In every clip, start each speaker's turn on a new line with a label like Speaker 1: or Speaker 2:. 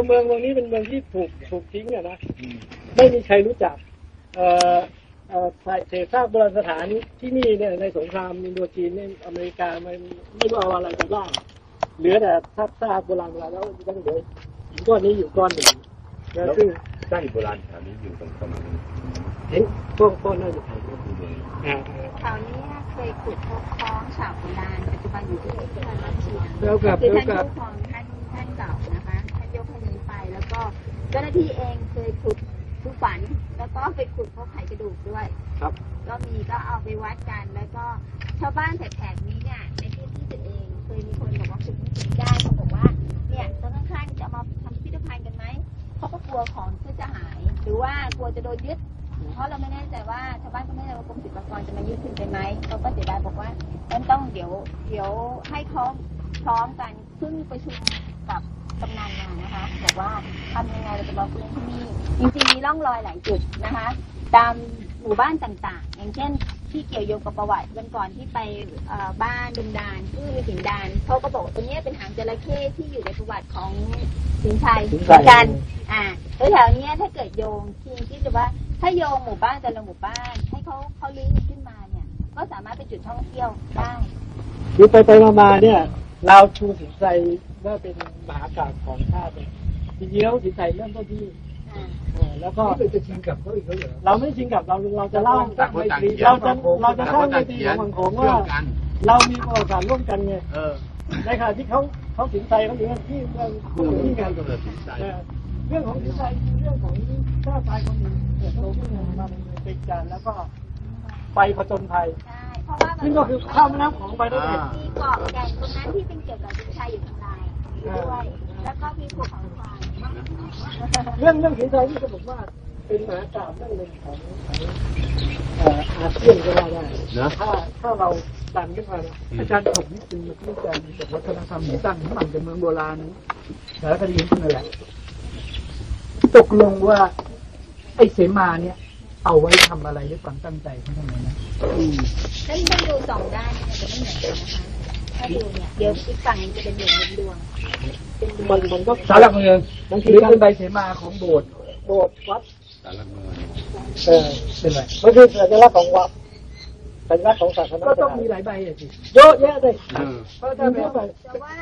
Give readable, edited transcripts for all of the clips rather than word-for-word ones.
Speaker 1: เมืองนี้เป็นเมืองที่ถูกทิ้งอะนะไม่มีใครรู้จักเศษซากโบราณสถานที่นี่เนี่ยในสงครามอินโดจีนเนี่ยอเมริกาไม่รู้เอาอะไรไปบ้างเหลือแต่ซากโบราณแล้วยังเหลือก้อนนี้อยู่ก้อนหนึ่งแล้วซึ่ง
Speaker 2: ซากโบราณแถวนี้อยู่ตรงประมาณ
Speaker 1: เห็นก้อนน่าจะแถวนี้
Speaker 3: เคยขุดพบคล้องฉาบโบราณปัจจุบันอยู่ที่อุทยานราชเชียง
Speaker 1: แล้วกับ
Speaker 3: คือท่านผู้ครองท่านเก่านะคะท่านยกให้นี้ไปแล้วก็เจ้าหน้าที่เองเคยขุดทุกฝันแล้วก็ไปขุดพบไขกระดูกด้วย
Speaker 1: ครับ
Speaker 3: ก็เอาไปวัดกันแล้วก็ชาวบ้านแถบนี้เนี่ยในที่ตัวเองเคยมีคนบอกว่าขุดได้เขาบอกว่าเนี่ยต้นข้างๆจะมาทำพิพิธภัณฑ์กันไหมเขาก็กลัวของจะหายหรือว่ากลัวจะโดนยึดเพราะเราไม่แน่ใจว่าชาวบ้านก็ไม่แน่ใจว่ากรมศิลปากรจะมายึดคืนไปไหมเขาก็เสียดายบอกว่าต้องเดี๋ยวให้เขาพร้อมกันเพิ่งประชุมกับกำนันมานะคะบอกว่าทำยังไงเราจะมาฟื้นที่นี่จริงๆมีร่องรอยหลายจุดนะคะตามหมู่บ้านต่างๆอย่างเช่นที่เกี่ยวโยงกับประวัติวันก่อนที่ไปบ้านดุมดานที่มีสิงดานเขาก็บอกตัวนี้เป็นหางจระเข้ที่อยู่ในประวัติของสิงชัยเหมือนกันแล้วแถวนี้ถ้าเกิดโยงที่จะว่าถ้าโยงหมู่บ้านแต่ละหมู่บ้านให้เขาลิงก์ขึ้นมาเนี่ยก็สามารถเป็นจุดท่องเที่ยวได้
Speaker 1: คือไปมาเนี่ยเราชูสินใจว่าเป็นมหากาพย์ของชาติจริงๆแล้วสินใจเริ่มต้นที่แล้วก็
Speaker 4: จะชิงกับเขาอีกแล้วเหรอ
Speaker 1: เราไม่ชิงกับเราจะเล่าเราจะสร้างเวทีของสังคมว่าเรามีประวัติศาสตร์ร่วมกันไงในขณะที่เขาสินใจเขาอยู่ที่เรื่องการเรื่องของสินใจเรื่องของชาติไทยคนหนึ่งเติบโตขึ้นมาเป็นการแล้วก็ไปผจญภัยซึ่งก็คือข้ามแม่น้ำของไปได้เลย
Speaker 3: มีเกาะแก่งตรงนั้นที่เป็นเกี่ยวกับสินชัยอยู่ทางใต้ด้วยแล้วก็มีภูเขาไฟ
Speaker 1: เรื่องสินใจที่จะบอกว่าเป็นมหากาพย์เรื่องหนึ่งของอาเซียนก็ว่าได้นะถ้าเราดันขึ้นมา
Speaker 4: อาจารย์ผมนี่เป็นนักวิจัยจากวัฒนธรรมหมู่ตั้งมันเป็นเมืองโบราณสารคดีนั่นแหละตกลงว่าไอ้เสมาเนี่ยเอาไว้ทำอะไรด้วยความตั้งใจเขาทำไมนะ
Speaker 3: ถ้าดูสองด้านเนี่ยจะไม่เหมือนกันนะคะถ้าดูเนี่ยเดี๋ยวอีกฝั่งจะเป็นดวง
Speaker 1: มันก็
Speaker 4: สารหลักเมืองมันคือเป็นใบเสมาของโบสถ์
Speaker 1: วัด
Speaker 2: สารหลักเมือง
Speaker 4: เป็นไร
Speaker 1: มันคือสัญลักษณ์ของวัดสัญลักษณ์ของศาสนา
Speaker 4: ก็ต้องมีหลายใบสิ
Speaker 1: เยอะแยะเลย
Speaker 4: เพราะถ้าเป็น
Speaker 3: แต่ว่า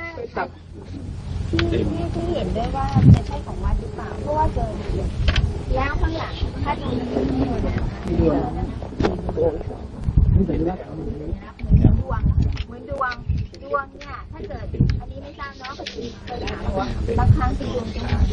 Speaker 3: ที่เห็นด้วยว่าจะใช่ของวัดหรือเปล่าเพราะว่าเจอแล้วข้างหลังถ้าดู
Speaker 4: นี่เป็นลักษณะ
Speaker 3: เหมือนดวงเนี่ยถ้าเกิดอันนี้ไม่ทราบเนาะเคยถามว่าบางครั้งเป็นดวงจังหวะ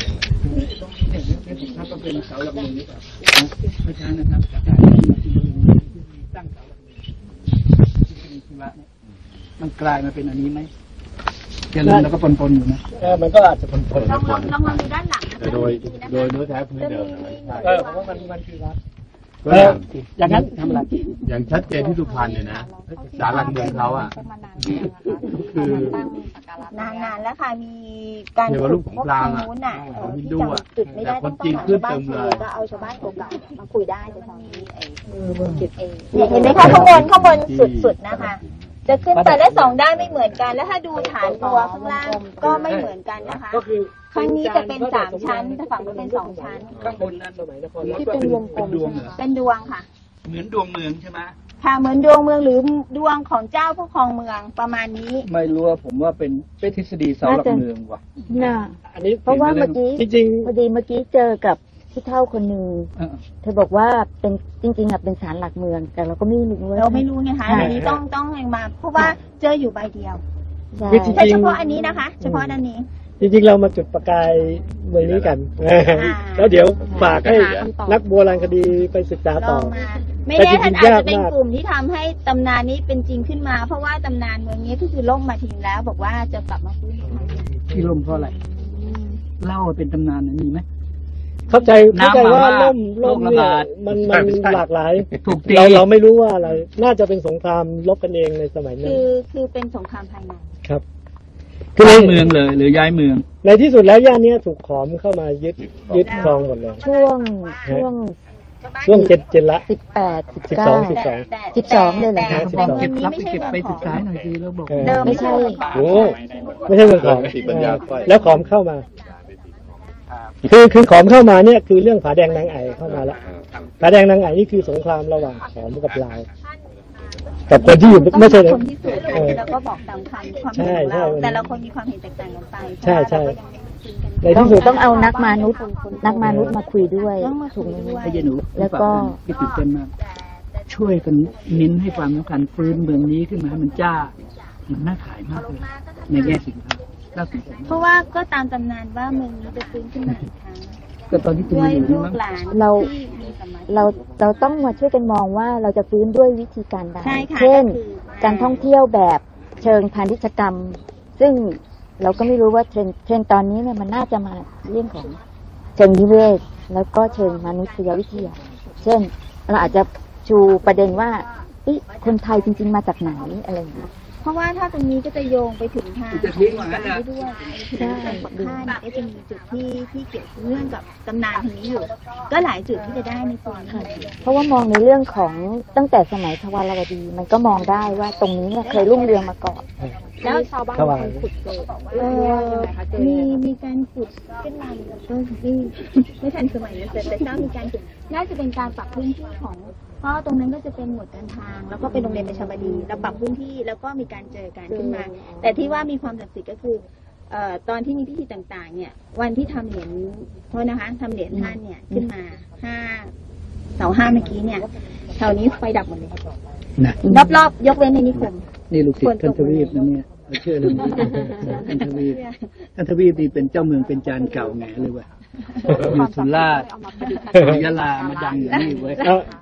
Speaker 4: ถ้าก็เป็นเสาหลักเมืองนี่แหละไม่ใช่นะครับจากตั้งเสาหลักเมืองที่ชีวะเนี่ยมันกลายมาเป็นอันนี้ไหมเจริญแล้วก็ปนอยู่นะ
Speaker 1: มันก็อาจจะปน
Speaker 3: ลองมาดูด้านหลัง
Speaker 2: โดยเนื้อแท้พื้นเดิม
Speaker 1: เพราะว่ามันคือวัด
Speaker 4: อย่างนั้นทำอะไร
Speaker 2: อย่างชัดเจนที่สุพรรณเนี่ยนะศาลหลักเมืองเขาคื
Speaker 3: อนานแล้วค่ะมีการ
Speaker 2: ขุดพบทางนู้นน่ะที่จังหวัดจุดไม่ได้ต้องชาวบ้าน
Speaker 3: ก็เอาชาวบ้านเก่าๆมาคุยได้แต่ตอนนี้จุดเองเห็นไหมคะข้างบนสุดนะคะจะขึ้นไปและสองด้านไม่เหมือนกันแล้วถ้าดูฐานตัวข้างล่างก็ไม่เหมือนกันนะคะข้างนี้จะเป็น3ชั้นแต่ฝั่งนู้นเป็น2ชั้น
Speaker 4: ข้างบนนั้นตรงไหนนคร
Speaker 3: ที่เป็นวงกลมเป็นดวงค่ะ
Speaker 4: เหมือนดวงเมืองใช่ไหม
Speaker 3: ค่ะเหมือนดวงเมืองหรือดวงของเจ้าผู้ครองเมืองประมาณนี้
Speaker 4: ไม่รู้ว่าผมว่าเป็นทฤษฎีเสาหลักเมืองว่ะ
Speaker 5: น่ะอันนี้เพราะว่าเมื่อกี้จริงพอดีเมื่อกี้เจอกับที่เท่าคนหนึ่งเธอบอกว่าเป็นจริงๆเป็นศาลหลักเมืองแต่เราก็ไม่รู้
Speaker 3: เราไม่รู้ไงคะอันนี้ต้องมาเพราะว่าเจออยู่ใบเดียวแต่เฉพาะอันนี้นะคะเฉพาะอันนี้
Speaker 1: จริงๆเรามาจุดประกายเมืองนี้กันแล้วเดี๋ยวฝากให้นักโบราณคดีไปศึกษาต่อ
Speaker 3: ไม่แน่ท่านอาจจะเป็นกลุ่มที่ทำให้ตำนานนี้เป็นจริงขึ้นมาเพราะว่าตำนานเมืองนี้ก็คือล่มมาทิ้งแล้วบอกว่าจะกลับมาฟื้น
Speaker 4: ที่ล่มเพราะอะไรเล่าเป็นตำนานนั้นมีไหม
Speaker 1: เข้าใจว่าล่มเนี่ยมันหลากหลายเราไม่รู้ว่าอะไรน่าจะเป็นสงครามรบกันเองในสมัยนั้น
Speaker 3: คือเป็นสงครามภายใน
Speaker 1: ครับ
Speaker 4: ย้ายเมืองเลยหรือย้ายเมือง
Speaker 1: ในที่สุดแล้วย่านนี้ถูกขอมเข้ามายึดครองหมดเลย
Speaker 5: ช่วง
Speaker 1: เจ็ดละ
Speaker 5: 18
Speaker 1: 12
Speaker 5: เลยเหรอคะ
Speaker 4: เก็บรับเก็บไปศึกษาหน่อยสิแล้วบอก
Speaker 5: ไม่ใช่
Speaker 1: โอ้ไม่ใช่เมืองของแล้วขอมเข้ามาคือของเข้ามาเนี่ยคือเรื่องผาแดงนางไอ่เข้ามาแล้วผาแดงนางไอ่นี่คือสงครามระหว่างขอมกับลาวกับคนที่อยู่ไม่ใช่
Speaker 3: คนที่สุดแล้วก็บอกตามความเห็นของเราแต่ละคนมีความเห็นแตกต่างกันไปใช่
Speaker 1: ในที่สุด
Speaker 5: ต้องเอานักมนุษย์มาคุยด้วยถูกไหม
Speaker 4: ให้ยายหนู
Speaker 5: แล้วก็
Speaker 4: พี่ตื่นเต้นมากช่วยกันเน้นให้ความสำคัญฟื้นเมืองนี้ขึ้นมาให้มันจ้ามันน่าขายมากเลยในแง่สินค้าน่าสนใจ
Speaker 3: เพราะว่าก็ตามตำนานว่าเมืองนี้จะฟื้นขึ้นมาอีกครั้ง
Speaker 4: ก็ตอนที่คุณ
Speaker 3: ด้วย
Speaker 4: อยู่
Speaker 3: ลู
Speaker 4: นี่
Speaker 3: ก
Speaker 4: มั้ง
Speaker 3: หลาน
Speaker 5: เรา
Speaker 3: ที่มีสมาธิ
Speaker 5: เราต้องมาช่วยกันมองว่าเราจะฟื้นด้วยวิธีการใด
Speaker 3: ใช่ค่ะ
Speaker 5: เช่น
Speaker 3: ก็คือ
Speaker 5: การท่องเที่ยวแบบเชิงพาณิชยกรรม ซึ่งเราก็ไม่รู้ว่าเทรนด์ตอนนี้เนี่ยมันน่าจะมาเรื่องของเชิงนิเวศแล้วก็เชิงมนุษยวิทยาเช่นเราอาจจะชูประเด็นว่าคนไทยจริงๆมาจากไหนอะไรอย่างเงี้ย
Speaker 3: เพราะว่าถ้าตรงนี้ก็จะโยงไปถึงทาง
Speaker 4: จะทิ้งเหมือนกัน
Speaker 3: ได้
Speaker 4: นะ
Speaker 3: ด้วยใช่ปักผ้าเนี่ยก็จะมีจุดที่เกี่ยวเนื่องกับตำนานทางนี้อยู่ ก็หลายจุดที่จะได้ในส่วนนี้
Speaker 5: เพราะว่ามองในเรื่องของตั้งแต่สมัยทวารวดี มันก็มองได้ว่าตรงนี้เนี่ยเคยรุ่งเรืองมาก่อน
Speaker 3: แล้วชาวบ้านขุดเจอมีการขุดขึ้นมาก็ไม่ทันสมัยนะแต่เจ้ามีการขุดน่าจะเป็นการปรับพื้นที่ของเพราะตรงนั้นก็จะเป็นหมวดการทาง แล้วก็เป็นโรงเรียนประชาบดีเราปรับพื้นที่แล้วก็มีการเจอกันขึ้นมา แต่ที่ว่ามีความศักดิ์สิทธิ์ก็คือตอนที่มีพิธีต่างๆ เนี่ย วันที่ทำเหรียญโทษนะคะทำเหรียญท่านเนี่ยขึ้นมาเสา 5เมื่อกี้เนี่ยแถวนี้ไฟดับหมดเลย
Speaker 4: นะ
Speaker 3: รอบๆยกเว้นในนิคม
Speaker 4: นี่ลูกศิษย์ท่านทวีปนะเนี่ยเราเชื่อเรื่องนี้ท่านทวีปนี่เป็นเจ้าเมืองเป็นจานเก่าไงเลยว่ะอยู่สุราษฎร์ยะลามาดังอยู่นี่เว้ย